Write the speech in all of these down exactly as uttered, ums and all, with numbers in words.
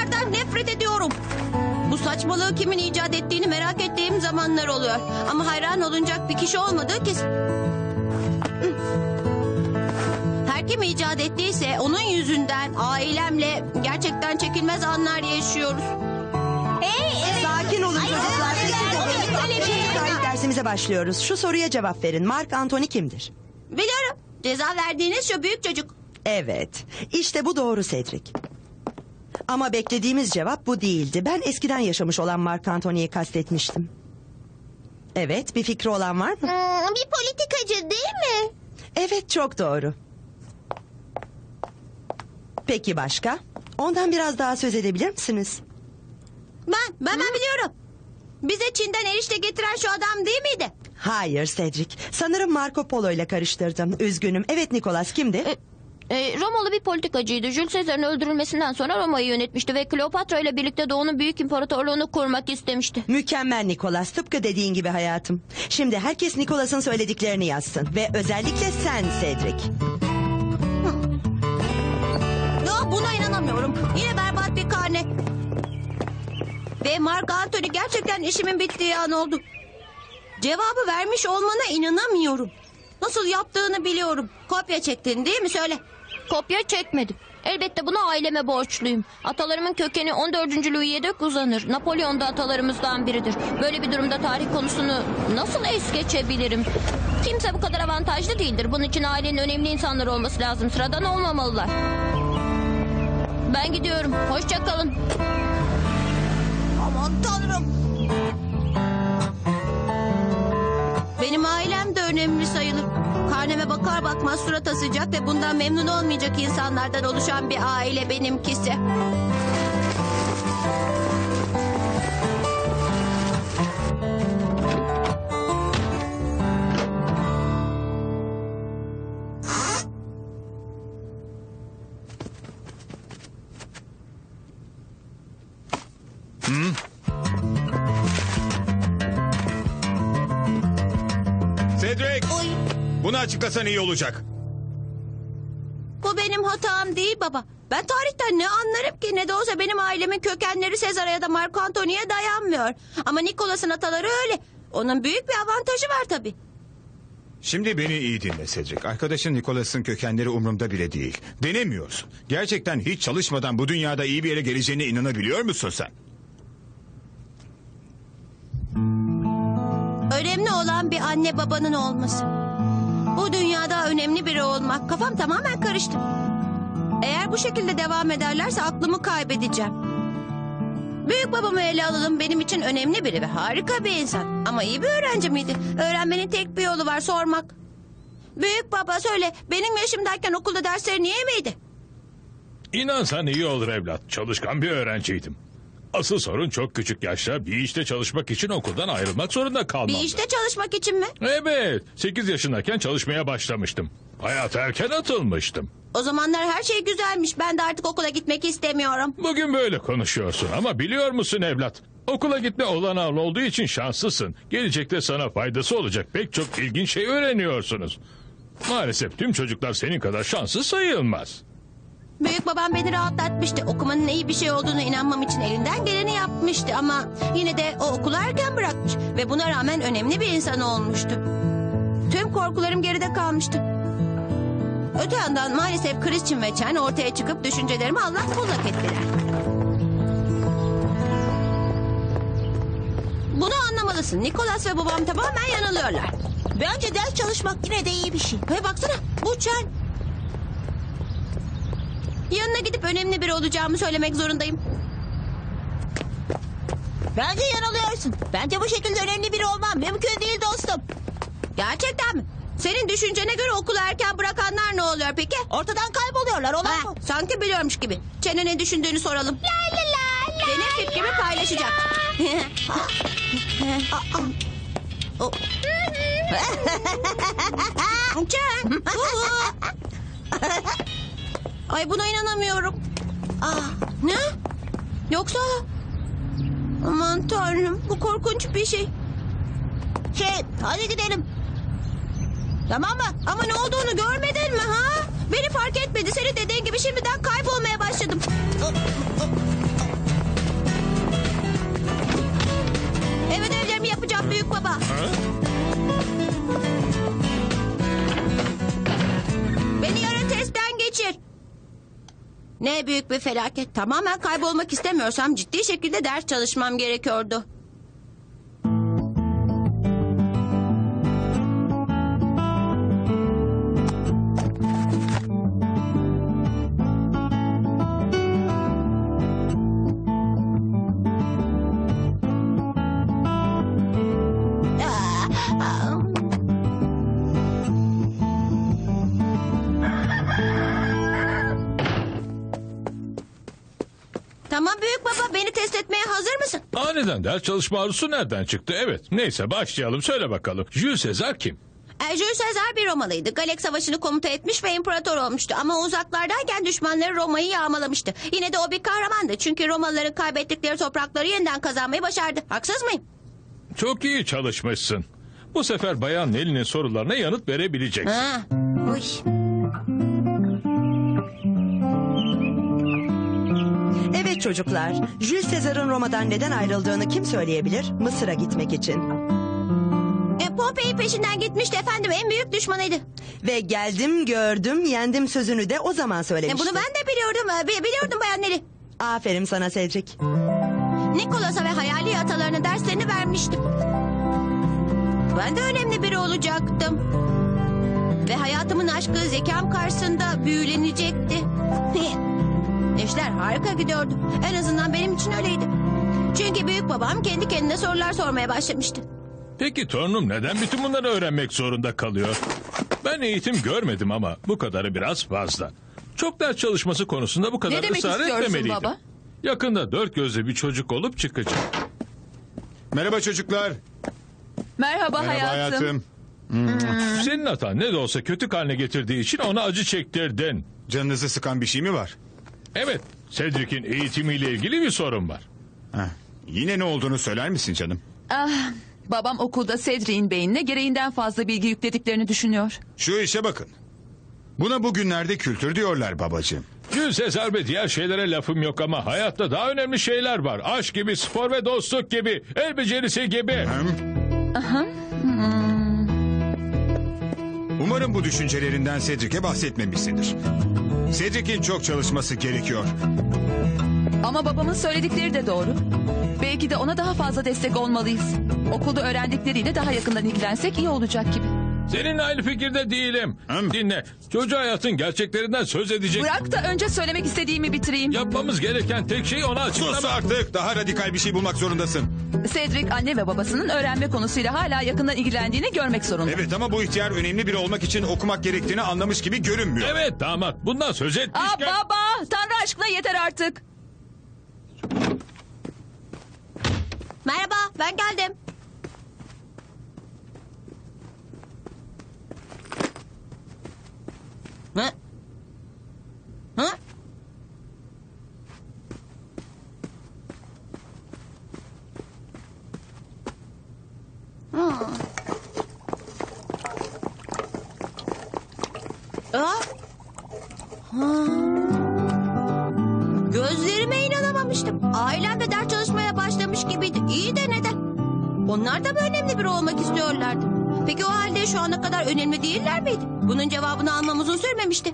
Bunlardan nefret ediyorum. Bu saçmalığı kimin icat ettiğini merak ettiğim zamanlar oluyor. Ama hayran olunacak bir kişi olmadığı kesin. Her kim icat ettiyse onun yüzünden ailemle gerçekten çekilmez anlar yaşıyoruz. Hey, evet. Sakin olun Hayır, çocuklar. hayır, Sessiz hayır, olun. hayır, hayır, hayır, Şimdi hayır. tarih dersimize başlıyoruz. Şu soruya cevap verin. Mark Antony kimdir? Biliyorum. Ceza verdiğiniz şu büyük çocuk. Evet. İşte bu doğru Cedric. Ama beklediğimiz cevap bu değildi. Ben eskiden yaşamış olan Mark Antony'yi kastetmiştim. Evet, bir fikri olan var mı? Hmm, bir politikacı değil mi? Evet, çok doğru. Peki başka? Ondan biraz daha söz edebilir misiniz? Ben, ben, ben biliyorum. Bize Çin'den erişte getiren şu adam değil miydi? Hayır Cedric. Sanırım Marco Polo ile karıştırdım. Üzgünüm. Evet Nicholas kimdi? E, e, Romalı bir politikacıydı. Jules Caesar'ın öldürülmesinden sonra Roma'yı yönetmişti ve Kleopatra ile birlikte Doğu'nun büyük imparatorluğunu kurmak istemişti. Mükemmel Nicholas. Tıpkı dediğin gibi hayatım. Şimdi herkes Nicholas'ın söylediklerini yazsın. Ve özellikle sen Cedric. Ya buna inanamıyorum. Yine berbat bir karne. Ve Mark Antony gerçekten işimin bittiği an oldu. Cevabı vermiş olmana inanamıyorum. Nasıl yaptığını biliyorum. Kopya çektin değil mi? Söyle. Kopya çekmedim. Elbette buna aileme borçluyum. Atalarımın kökeni on dördüncü Louis'e dek uzanır. Napolyon da atalarımızdan biridir. Böyle bir durumda tarih konusunu nasıl es geçebilirim? Kimse bu kadar avantajlı değildir. Bunun için ailenin önemli insanlar olması lazım. Sıradan olmamalılar. Ben gidiyorum. Hoşça kalın. Aman tanrım. Benim ailem de önemli sayılır. Karneme bakar bakmaz surat asacak ve bundan memnun olmayacak insanlardan oluşan bir aile benimkisi. Cedric! Bunu açıklasan iyi olacak. Bu benim hatam değil baba. Ben tarihten ne anlarım ki? Ne de olsa benim ailemin kökenleri Sezar'a ya da Marco Antony'ye dayanmıyor. Ama Nikolas'ın ataları öyle. Onun büyük bir avantajı var tabii. Şimdi beni iyi dinle Cedric. Arkadaşın Nicholas'ın kökenleri umurumda bile değil. Denemiyorsun. Gerçekten hiç çalışmadan bu dünyada iyi bir yere geleceğine inanabiliyor musun sen? Önemli olan bir anne babanın olması. Bu dünyada önemli biri olmak. Kafam tamamen karıştı. Eğer bu şekilde devam ederlerse aklımı kaybedeceğim. Büyük babamı ele alalım, benim için önemli biri ve harika bir insan. Ama iyi bir öğrenci miydi? Öğrenmenin tek bir yolu var, sormak. Büyük baba söyle, benim yaşımdayken okulda derslerin iyi miydi? İnansan iyi olur evlat. Çalışkan bir öğrenciydim. Asıl sorun çok küçük yaşta bir işte çalışmak için okuldan ayrılmak zorunda kalmamdı. Bir işte çalışmak için mi? Evet. sekiz yaşındayken çalışmaya başlamıştım. Hayata erken atılmıştım. O zamanlar her şey güzelmiş. Ben de artık okula gitmek istemiyorum. Bugün böyle konuşuyorsun ama biliyor musun evlat? Okula gitme olanağın olduğu için şanslısın. Gelecekte sana faydası olacak pek çok ilginç şey öğreniyorsunuz. Maalesef tüm çocuklar senin kadar şanslı sayılmaz. Büyük babam beni rahatlatmıştı. Okumanın iyi bir şey olduğunu inanmam için elinden geleni yapmıştı. Ama yine de o okulu erken bırakmış. Ve buna rağmen önemli bir insan olmuştu. Tüm korkularım geride kalmıştı. Öte yandan maalesef Christian ve Chen ortaya çıkıp düşüncelerimi allak bullak ettiler. Bunu anlamalısın. Nicholas ve babam tamamen yanılıyorlar. Bence ders çalışmak yine de iyi bir şey. Hey baksana, bu Chen. Yanına gidip önemli biri olacağımı söylemek zorundayım. Bence yanılıyorsun. Bence bu şekilde önemli biri olmam mümkün değil dostum. Gerçekten mi? Senin düşüncene göre okulu erken bırakanlar ne oluyor peki? Ortadan kayboluyorlar olan Ha, bu. sanki biliyormuş gibi. Çene ne düşündüğünü soralım. La la la la. Benim fikrimi paylaşacak. O- Çen. Ay buna inanamıyorum. Ah, ne? Yoksa... Aman tanrım, bu korkunç bir şey. Şey, hadi gidelim. Tamam mı? Ama ne olduğunu görmedin mi ha? Beni fark etmedi. Senin dediğin gibi şimdiden kaybolmaya başladım. Beni yarın testten geçir. Ne büyük bir felaket. Tamamen kaybolmak istemiyorsam ciddi şekilde ders çalışmam gerekiyordu. Ah, ah. Tamam büyük baba, beni test etmeye hazır mısın? Aniden ders çalışma arzusu nereden çıktı? Evet, neyse başlayalım. Söyle bakalım. Jules Caesar kim? E, Jules Caesar bir Romalıydı. Galek Savaşı'nı komuta etmiş ve imparator olmuştu. Ama uzaklardayken düşmanları Roma'yı yağmalamıştı. Yine de o bir kahramandı. Çünkü Romalıların kaybettikleri toprakları yeniden kazanmayı başardı. Haksız mıyım? Çok iyi çalışmışsın. Bu sefer Bayan Nelly'nin sorularına yanıt verebileceksin. Ha. Uy. Evet çocuklar, Jules Caesar'ın Roma'dan neden ayrıldığını kim söyleyebilir? Mısır'a gitmek için. E, Pompei peşinden gitmişti efendim. En büyük düşmanıydı. Ve geldim, gördüm, yendim sözünü de o zaman E, söylemişti. bunu ben de biliyordum. E, bi- biliyordum Bayan Nelly. Aferin sana Cedric. Nikolas'a ve hayali atalarına derslerini vermiştim. Ben de önemli biri olacaktım. Ve hayatımın aşkı zekam karşısında büyülenecekti. İşler harika gidiyordu. En azından benim için öyleydi. Çünkü büyük babam kendi kendine sorular sormaya başlamıştı. Peki torunum neden bütün bunları öğrenmek zorunda kalıyor? Ben eğitim görmedim ama bu kadarı biraz fazla. Çok ders çalışması konusunda bu kadar Ne demek ısrar istiyorsun etmemeliydim. baba? Yakında dört gözlü bir çocuk olup çıkacak. Merhaba çocuklar. Merhaba, Merhaba hayatım. hayatım. Senin hatan ne de olsa kötü haline getirdiği için ona acı çektirdin. Canınızı sıkan bir şey mi var? Evet, Cedric'in eğitimiyle ilgili bir sorun var. Heh, yine ne olduğunu söyler misin canım? Ah, babam okulda Cedric'in beynine gereğinden fazla bilgi yüklediklerini düşünüyor. Şu işe bakın. Buna bugünlerde kültür diyorlar babacığım. Jules Caesar ve diğer şeylere lafım yok ama hayatta daha önemli şeyler var. Aşk gibi, spor ve dostluk gibi, el becerisi gibi. Umarım bu düşüncelerinden Cedric'e bahsetmemişsindir. Cedric'in çok çalışması gerekiyor. Ama babamın söyledikleri de doğru. Belki de ona daha fazla destek olmalıyız. Okulda öğrendikleriyle daha yakından ilgilensek iyi olacak gibi. Seninle aynı fikirde değilim. Hı? Dinle, çocuğa hayatın gerçeklerinden söz edecek. Bırak da önce söylemek istediğimi bitireyim. Yapmamız gereken tek şey ona Sus açıklamak. artık, daha radikal bir şey bulmak zorundasın. Cedric anne ve babasının öğrenme konusuyla hala yakından ilgilendiğini görmek zorunda. Evet ama bu ihtiyar önemli biri olmak için okumak gerektiğini anlamış gibi görünmüyor. Evet damat, bundan söz Aa etmişken... baba, Tanrı aşkına yeter artık. Merhaba, ben geldim. Hı? Hı? Hı. Aa. Hı. Gözlerime inanamamıştım. Ailem de ders çalışmaya başlamış gibiydi. İyi de neden? Onlar da mı önemli biri olmak istiyorlardı? Peki o halde şu ana kadar önemli değiller miydi? Bunun cevabını almam uzun sürmemişti.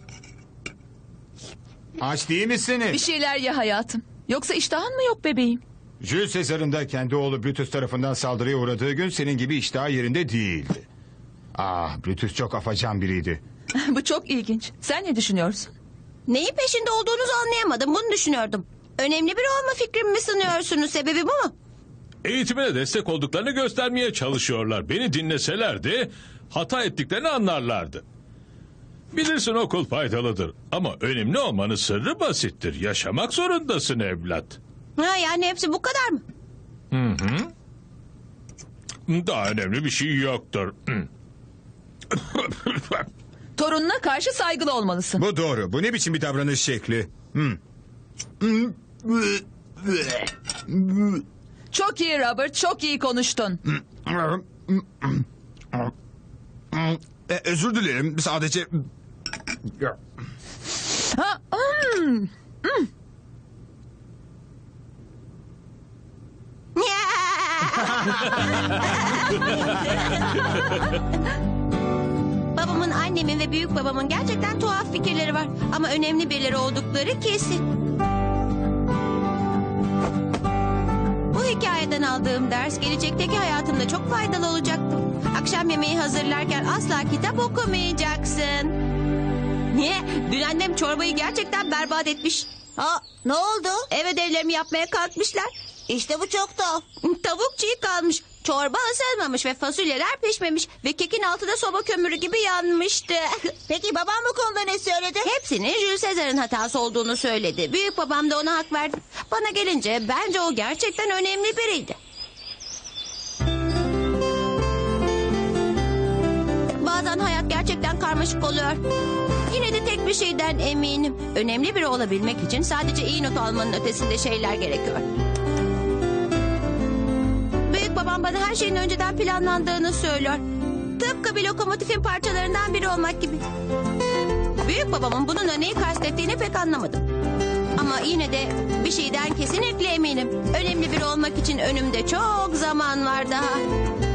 Aç değil Bir misiniz? şeyler ye hayatım. Yoksa iştahın mı yok bebeğim? Jules Caesar'ın da kendi oğlu Brutus tarafından saldırıya uğradığı gün senin gibi iştahı yerinde değildi. Ah, Brutus çok afacan biriydi. Bu çok ilginç. Sen ne düşünüyorsun? Neyin peşinde olduğunuzu anlayamadım. Bunu düşünüyordum. Önemli biri olma fikrimi mi sınıyorsunuz? Sebebi bu mu? Eğitimine destek olduklarını göstermeye çalışıyorlar. Beni dinleselerdi hata ettiklerini anlarlardı. Bilirsin okul faydalıdır ama önemli olmanın sırrı basittir. Yaşamak zorundasın evlat. Ha, yani hepsi bu kadar mı? Daha önemli bir şey yoktur. Torununa karşı saygılı olmalısın. Bu doğru. Bu ne biçim bir davranış şekli? Hmm. Çok iyi Robert, çok iyi konuştun. E, özür dilerim. Sadece... Ha, hmm. Ya! Babamın, annemin ve büyük babamın gerçekten tuhaf fikirleri var. Ama önemli birileri oldukları kesin. Bu hikayeden aldığım ders gelecekteki hayatımda çok faydalı olacaktı. Akşam yemeği hazırlarken asla kitap okumayacaksın. Niye? Dün annem çorbayı gerçekten berbat etmiş. Ha, ne oldu? Ev ödevlerimi yapmaya kalkmışlar. İşte bu çok tuhaf. Tavuk çiğ kalmış. Çorba ısınmamış ve fasulyeler pişmemiş. Ve kekin altı da soba kömürü gibi yanmıştı. Peki babam bu konuda ne söyledi? Hepsinin Jules Caesar'ın hatası olduğunu söyledi. Büyük babam da ona hak verdi. Bana gelince bence o gerçekten önemli biriydi. Bazen hayat gerçekten karmaşık oluyor. Yine de tek bir şeyden eminim. Önemli biri olabilmek için sadece iyi not almanın ötesinde şeyler gerekiyor. Büyük babam bana her şeyin önceden planlandığını söylüyor. Tıpkı bir lokomotifin parçalarından biri olmak gibi. Büyük babamın bununla neyi kastettiğini pek anlamadım. Ama yine de bir şeyden kesinlikle eminim. Önemli biri olmak için önümde çok zaman var daha.